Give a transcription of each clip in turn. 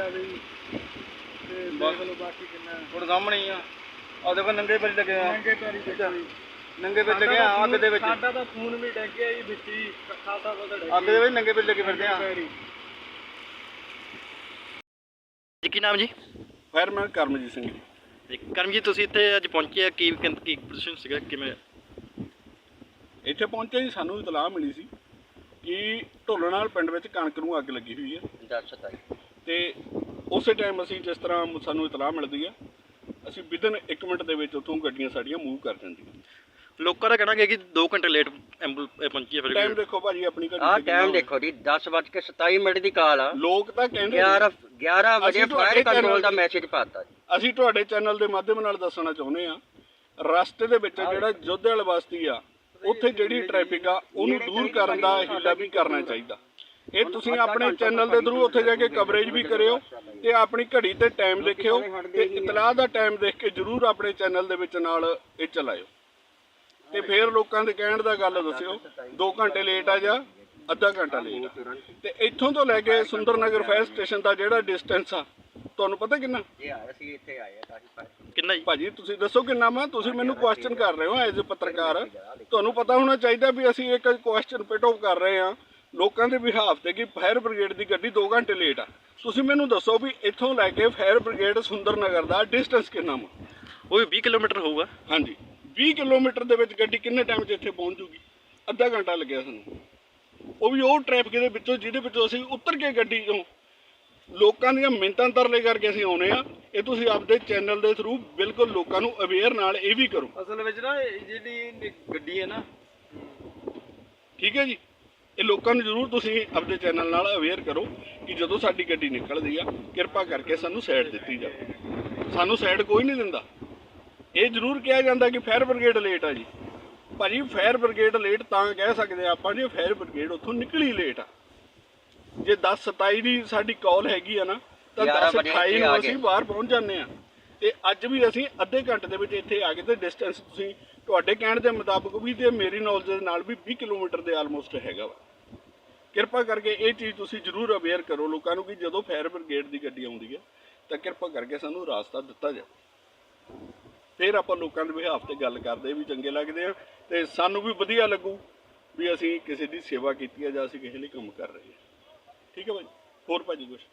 ਜਾਵੇ ਜੀ ਤੇ ਦੇਖ ਲਓ ਬਾਕੀ ਕਿੰਨਾ ਹੁਣ ਸਾਹਮਣੇ ਹੀ ਆ ਦੇਖੋ ਨੰਗੇ ਪੈਰੀ ਲੱਗੇ ਆ, ਨੰਗੇ ਪੈਰੀ ਦੇਖੋ ਜੀ, ਨੰਗੇ ਪੈਰੀ ਲੱਗੇ ਆ ਅੱਗ ਦੇ ਵਿੱਚ। ਸਾਡਾ ਤਾਂ ਖੂਨ ਵੀ ਡਿੱਗ ਗਿਆ ਜੀ ਵਿੱਚ ਹੀ, ਖਾਸਾ ਪਤਾ ਡਿੱਗ ਅੱਗ ਦੇ ਵਿੱਚ ਨੰਗੇ ਪੈਰੀ ਲੱਗੇ ਫਿਰਦੇ ਆ। ਜੀ ਕੀ ਨਾਮ ਜੀ? ਫਾਇਰਮੈਨ ਕਰਮਜੀਤ ਸਿੰਘ ਜੀ। ਕਰਮਜੀਤ ਤੁਸੀਂ ਇੱਥੇ ਅੱਜ ਪਹੁੰਚੇ ਆ, ਕੀ ਪੋਜੀਸ਼ਨ ਸੀਗਾ, ਕਿਵੇਂ ਇੱਥੇ ਪਹੁੰਚੇ ਜੀ, ਸਾਨੂੰ ਇਤਲਾਹ ਮਿਲੀ ਸੀ ਕਿ ਢੋਲਣਾਲ ਪਿੰਡ ਵਿੱਚ ਕਣਕ ਨੂੰ ਅੱਗ ਲੱਗੀ ਹੋਈ ਹੈ ਤੇ ਉਸੇ ਟਾਈਮ ਅਸੀਂ ਜਿਸ ਤਰ੍ਹਾਂ ਸਾਨੂੰ ਇਤਲਾਹ ਮਿਲਦੀ ਹੈ ਅਸੀਂ ਵਿਦਨ 1 ਮਿੰਟ ਦੇ ਵਿੱਚ ਉੱਥੋਂ ਗੱਡੀਆਂ ਸਾਡੀਆਂ ਮੂਵ ਕਰ ਜਾਂਦੀਆਂ। ਲੋਕਾਂ ਦਾ ਕਹਿਣਾ ਹੈ ਕਿ 2 ਘੰਟੇ ਲੇਟ ਐਂਬੂਲੈਂਸ ਪਹੁੰਚੀ ਹੈ। ਫਿਰ ਟਾਈਮ ਦੇਖੋ ਭਾਜੀ ਆਪਣੀ ਗੱਡੀ ਆਹ ਟਾਈਮ ਦੇਖੋ ਜੀ 10:27 ਦੀ ਕਾਲ ਆ। ਲੋਕ ਤਾਂ ਕਹਿੰਦੇ 11 ਵਜੇ ਫਾਇਰ ਕੰਟਰੋਲ ਦਾ ਮੈਸੇਜ ਪਾਤਾ ਜੀ। ਅਸੀਂ ਤੁਹਾਡੇ ਚੈਨਲ ਦੇ ਮਾਧਿਅਮ ਨਾਲ ਦੱਸਣਾ ਚਾਹੁੰਦੇ ਆ, ਰਸਤੇ ਦੇ ਵਿੱਚ ਜਿਹੜਾ ਜੋਧੇਵਾਲ ਬਸਤੀ ਆ ਉੱਥੇ ਜਿਹੜੀ ਟ੍ਰੈਫਿਕ ਆ ਉਹਨੂੰ ਦੂਰ ਕਰਨ ਦਾ ਹੀਲਾ ਵੀ ਕਰਨਾ ਚਾਹੀਦਾ। ਇਹ ਤੁਸੀਂ ਆਪਣੇ ਚੈਨਲ ਦੇ ਥਰੂ ਉੱਥੇ ਜਾ ਕੇ ਕਵਰੇਜ ਵੀ ਕਰਿਓ ਤੇ ਆਪਣੀ ਘੜੀ ਤੇ ਟਾਈਮ ਦੇਖਿਓ ਤੇ ਇਤਲਾਹ ਦਾ ਟਾਈਮ ਦੇਖ ਕੇ ਜ਼ਰੂਰ ਆਪਣੇ ਚੈਨਲ ਦੇ ਵਿੱਚ ਨਾਲ ਇਹ ਚਲਾਇਓ ਤੇ ਫਿਰ ਲੋਕਾਂ ਦੇ ਕਹਿਣ ਦਾ ਗੱਲ ਦੱਸਿਓ 2 ਘੰਟੇ ਲੇਟ ਆ ਜਾਂ ਅੱਧਾ ਘੰਟਾ ਲੇਟ ਆ। ਤੇ ਇੱਥੋਂ ਤੋਂ ਲੈ ਕੇ ਸੁੰਦਰ ਨਗਰ ਫਾਇਰ ਸਟੇਸ਼ਨ ਦਾ ਜਿਹੜਾ ਡਿਸਟੈਂਸ ਆ ਤੁਹਾਨੂੰ ਪਤਾ ਕਿੰਨਾ? ਕਿੰਨਾ ਜੀ ਭਾਜੀ ਤੁਸੀਂ ਦੱਸੋ ਕਿੰਨਾ ਵਾ? ਤੁਸੀਂ ਮੈਨੂੰ ਕੁਐਸਚਨ ਕਰ ਰਹੇ ਹੋ ਐਜ਼ ਅ ਪੱਤਰਕਾਰ, ਤੁਹਾਨੂੰ ਪਤਾ ਹੋਣਾ ਚਾਹੀਦਾ ਵੀ ਅਸੀਂ ਇੱਕ ਕੁਐਸਚਨ ਪਿਟ ਆਫ ਕਰ ਰਹੇ ਹਾਂ ਲੋਕਾਂ ਦੇ ਬਿਹਾਫ ਤੇ ਕਿ ਫਾਇਰ ਬ੍ਰਿਗੇਡ ਦੀ ਗੱਡੀ 2 ਘੰਟੇ ਲੇਟ ਆ। ਤੁਸੀਂ ਮੈਨੂੰ ਦੱਸੋ ਵੀ ਇੱਥੋਂ ਲੈ ਕੇ ਫਾਇਰ ਬ੍ਰਿਗੇਡ ਸੁੰਦਰ ਨਗਰ ਦਾ ਡਿਸਟੈਂਸ ਕਿੰਨਾ ਵਾ? ਉਹ ਵੀ 20 ਕਿਲੋਮੀਟਰ ਹੋਊਗਾ। ਹਾਂਜੀ 20 ਕਿਲੋਮੀਟਰ ਦੇ ਵਿੱਚ ਗੱਡੀ ਕਿੰਨੇ ਟਾਈਮ 'ਚ ਇੱਥੇ ਪਹੁੰਚ ਜੂਗੀ? ਅੱਧਾ ਘੰਟਾ ਲੱਗਿਆ ਸਾਨੂੰ, ਉਹ ਵੀ ਉਹ ਟ੍ਰੈਫਿਕ ਦੇ ਵਿੱਚੋਂ ਜਿਹਦੇ ਵਿੱਚੋਂ ਅਸੀਂ ਉਤਰ ਕੇ ਗੱਡੀ ਤੋਂ ਲੋਕਾਂ ਦੀਆਂ ਮਿੰਨਤਾਂ ਤਰਲੇ ਕਰਕੇ ਅਸੀਂ ਆਉਣੇ ਆ। ਇਹ ਤੁਸੀਂ ਆਪਦੇ ਚੈਨਲ ਦੇ ਥਰੂ ਬਿਲਕੁਲ ਲੋਕਾਂ ਨੂੰ ਅਵੇਅਰ ਨਾਲ ਇਹ ਵੀ ਕਰੋ। ਅਸਲ ਵਿੱਚ ਨਾ ਜਿਹੜੀ ਗੱਡੀ ਹੈ ਨਾ, ਠੀਕ ਹੈ ਜੀ, ਇਹ ਲੋਕਾਂ ਨੂੰ ਜ਼ਰੂਰ ਤੁਸੀਂ ਆਪਦੇ ਚੈਨਲ ਨਾਲ ਅਵੇਅਰ ਕਰੋ ਕਿ ਜਦੋਂ ਸਾਡੀ ਗੱਡੀ ਨਿਕਲਦੀ ਆ ਕਿਰਪਾ ਕਰਕੇ ਸਾਨੂੰ ਸਾਈਡ ਦਿੱਤੀ ਜਾਵੇ। ਸਾਨੂੰ ਸਾਈਡ ਕੋਈ ਨਹੀਂ ਦਿੰਦਾ। ਇਹ ਜ਼ਰੂਰ ਕਿਹਾ ਜਾਂਦਾ ਕਿ ਫਾਇਰ ਬ੍ਰਿਗੇਡ ਲੇਟ ਆ ਜੀ। ਭਾਜੀ ਫਾਇਰ ਬ੍ਰਿਗੇਡ ਲੇਟ ਤਾਂ ਕਹਿ ਸਕਦੇ ਆਪਾਂ ਜੇ ਫਾਇਰ ਬ੍ਰਿਗੇਡ ਉੱਥੋਂ ਨਿਕਲੀ ਲੇਟ ਆ। ਜੇ 10:27 ਦੀ ਸਾਡੀ ਕਾਲ ਹੈਗੀ ਆ ਨਾ ਤਾਂ 10:28 ਨੂੰ ਅਸੀਂ ਬਾਹਰ ਪਹੁੰਚ ਜਾਂਦੇ ਆ ਤੇ ਅੱਜ ਵੀ ਅਸੀਂ ਅੱਧੇ ਘੰਟੇ ਦੇ ਵਿੱਚ ਇੱਥੇ ਆ ਗਏ ਤੇ ਡਿਸਟੈਂਸ ਤੁਸੀਂ ਤੁਹਾਡੇ ਕਹਿਣ ਦੇ ਮੁਤਾਬਕ ਵੀ ਤੇ ਮੇਰੀ ਨੌਲੇਜ ਦੇ ਨਾਲ ਵੀ 20 ਕਿਲੋਮੀਟਰ ਦੇ ਆਲਮੋਸਟ ਹੈਗਾ ਵਾ। ਕਿਰਪਾ ਕਰਕੇ ਇਹ ਚੀਜ਼ ਤੁਸੀਂ ਜ਼ਰੂਰ ਅਵੇਅਰ ਕਰੋ ਲੋਕਾਂ ਨੂੰ ਕਿ ਜਦੋਂ ਫਾਇਰ ਬ੍ਰਿਗੇਡ ਦੀ ਗੱਡੀ ਆਉਂਦੀ ਹੈ ਤਾਂ ਕਿਰਪਾ ਕਰਕੇ ਸਾਨੂੰ ਰਾਸਤਾ ਦਿੱਤਾ ਜਾਵੇ। ਫਿਰ ਆਪਾਂ ਲੋਕਾਂ ਦੇ ਬਿਹਾਫ ਤੇ ਗੱਲ ਕਰਦੇ ਵੀ ਚੰਗੇ ਲੱਗਦੇ ਆ ਤੇ ਸਾਨੂੰ ਵੀ ਵਧੀਆ ਲੱਗੂ ਵੀ ਅਸੀਂ ਕਿਸੇ ਦੀ ਸੇਵਾ ਕੀਤੀ ਹੈ ਜਾਂ ਅਸੀਂ ਕਿਸੇ ਲਈ ਕੰਮ ਕਰ ਰਹੇ ਹਾਂ। ਠੀਕ ਹੈ ਭਾਜੀ। ਹੋਰ ਭਾਜੀ ਕੁਛ?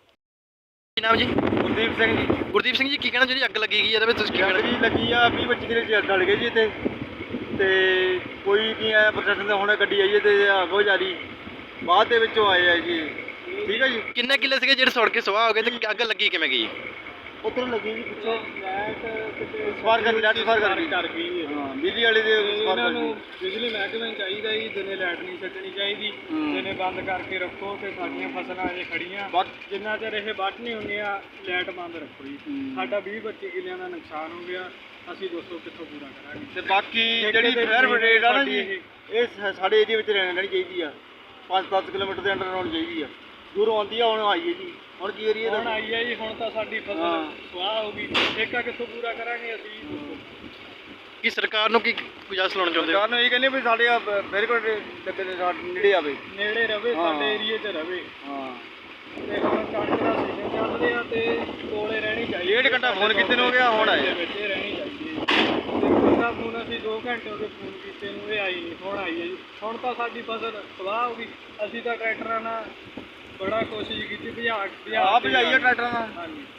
ਕੀ ਨਾਮ ਜੀ? ਗੁਰਦੀਪ ਸਿੰਘ ਜੀ। ਗੁਰਦੀਪ ਸਿੰਘ ਜੀ ਕੀ ਕਹਿਣਾ ਜਿਹੜੀ ਅੱਗ ਲੱਗੀ ਗਈ ਇਹਦੇ ਵਿੱਚ ਤੁਸੀਂ ਕੀ ਕਹਿਣਾ? ਅੱਗ ਲੱਗੀ ਆ 20-25 ਕਿਲੇ ਚ ਡਲ ਗਏ ਜੀ ਇੱਥੇ ਤੇ ਕੋਈ ਨਹੀਂ ਆਇਆ ਪ੍ਰਸ਼ਾਸਨ ਦਾ। ਹੁਣ ਗੱਡੀ ਆਈ ਹੈ ਤੇ ਅੱਗੋਂ ਜਾਰੀ ਬਾਅਦ ਦੇ ਵਿੱਚੋਂ ਆਏ ਆ ਜੀ। ਠੀਕ ਹੈ ਜੀ। ਕਿੰਨੇ ਕਿੱਲੇ ਸੀਗੇ ਜਿਹੜੇ ਸੜ ਕੇ ਸਵਾਹ ਹੋ ਗਏ ਤੇ ਅੱਗ ਲੱਗੀ ਕਿਵੇਂ ਗਈ? ਉੱਧਰ ਲੱਗੀ ਜੀ ਪਿੱਛੋਂ ਲਾਈਟ ਕਿਤੇ ਸਵਾਰ ਕਰ ਗਈ। ਕਰ ਗਈ ਹੈ। ਹਾਂ ਬਿਜਲੀ ਵਾਲੇ ਦੇ ਸਵਾਰ ਇਹਨਾਂ ਕਰ ਨੂੰ ਗਈ। ਬਿਜਲੀ ਮਹਿਕਮੇ ਨੂੰ ਚਾਹੀਦਾ ਜੀ ਦਿਨੇ ਲਾਈਟ ਨਹੀਂ ਛੱਡਣੀ ਚਾਹੀਦੀ, ਦਿਨੇ ਬੰਦ ਕਰਕੇ ਰੱਖੋ ਤੇ ਸਾਡੀਆਂ ਫਸਲਾਂ ਅਜੇ ਖੜੀਆਂ ਜਿੰਨਾ ਚਿਰ ਇਹ ਵੱਢ ਨਹੀਂ ਹੁੰਦੀਆਂ ਲਾਈਟ ਬੰਦ ਰੱਖੋ ਜੀ। ਸਾਡਾ 20-25 ਕਿੱਲਿਆਂ ਦਾ ਨੁਕਸਾਨ ਹੋ ਗਿਆ, ਅਸੀਂ ਦੋਸਤੋ ਕਿੱਥੋਂ ਪੂਰਾ ਕਰਾਂਗੇ? ਤੇ ਬਾਕੀ ਜਿਹੜੀ ਫਾਇਰ ਬ੍ਰਿਗੇਡ ਆ ਨਾ ਜੀ ਇਹ ਸਾਡੇ ਏਰੀਏ ਵਿੱਚ ਰਹਿਣੀ ਚਾਹੀਦੀ ਆ। 5-10 ਕਿਲੋਮੀਟਰ ਦੇ ਅੰਡਰ ਹੋਣੀ ਚਾਹੀਦੀ ਆ। ਦੂਰੋਂ ਆਉਂਦੀ ਆ, ਹੁਣ ਆਈ ਹੈ ਜੀ। ਹੁਣ ਕੀ ਏਰੀਆ ਹੁਣ ਆਈ ਹੈ ਜੀ, ਹੁਣ ਤਾਂ ਸਾਡੀ ਫਸਲ ਸਵਾਹ ਹੋ ਗਈ। ਠੇਕਾ ਕਿੱਥੋਂ ਪੂਰਾ ਕਰਾਂਗੇ ਅਸੀਂ? ਕੀ ਸਰਕਾਰ ਨੂੰ ਕੀ ਗੁਜ਼ਾਰਿਸ਼ ਲਾਉਣਾ ਚਾਹੁੰਦੇ ਹੋ? ਸਰਕਾਰ ਨੂੰ ਇਹ ਕਹਿੰਦੇ ਵੀ ਸਾਡੇ ਫਾਇਰ ਬ੍ਰਿਗੇਡ ਦੇ ਨੇੜੇ ਆਵੇ, ਨੇੜੇ ਰਵੇ, ਸਾਡੇ ਏਰੀਏ 'ਚ ਰਵੇ। ਹਾਂ ਤੇ ਹੁਣ ਕਣਕ ਦਾ ਸੀਜ਼ਨ ਚੱਲ ਰਿਹਾ ਤੇ ਕੋਲੇ ਰਹਿਣੀ ਚਾਹੀਦੀ। 1.5 ਘੰਟਾ ਫੋਨ ਕੀਤੇ ਨੂੰ ਹੋ ਗਿਆ, ਹੁਣ ਆਏ ਵਿੱਚ ਰਹਿਣੀ ਚਾਹੀਦੀ ਹੈ। ਤੇ ਪਹਿਲਾ ਫੋਨ ਅਸੀਂ 2 ਘੰਟੇ ਹੋ ਗਏ ਫੋਨ ਕੀਤੇ ਨੂੰ, ਇਹ ਆਈ ਨਹੀਂ। ਹੁਣ ਆਈ ਹੈ ਜੀ। ਹੁਣ ਤਾਂ ਸਾਡੀ ਫਸਲ ਸਵਾਹ ਹੋ ਗਈ। ਅਸੀਂ ਤਾਂ ਟਰੈਕਟਰਾਂ ਨਾਲ ਬੜਾ ਕੋਸ਼ਿਸ਼ ਕੀਤੀ ਭਜਾ ਭਜਾਈਏ ਟਰੈਕਟਰਾਂ ਨਾਲ। ਹਾਂਜੀ।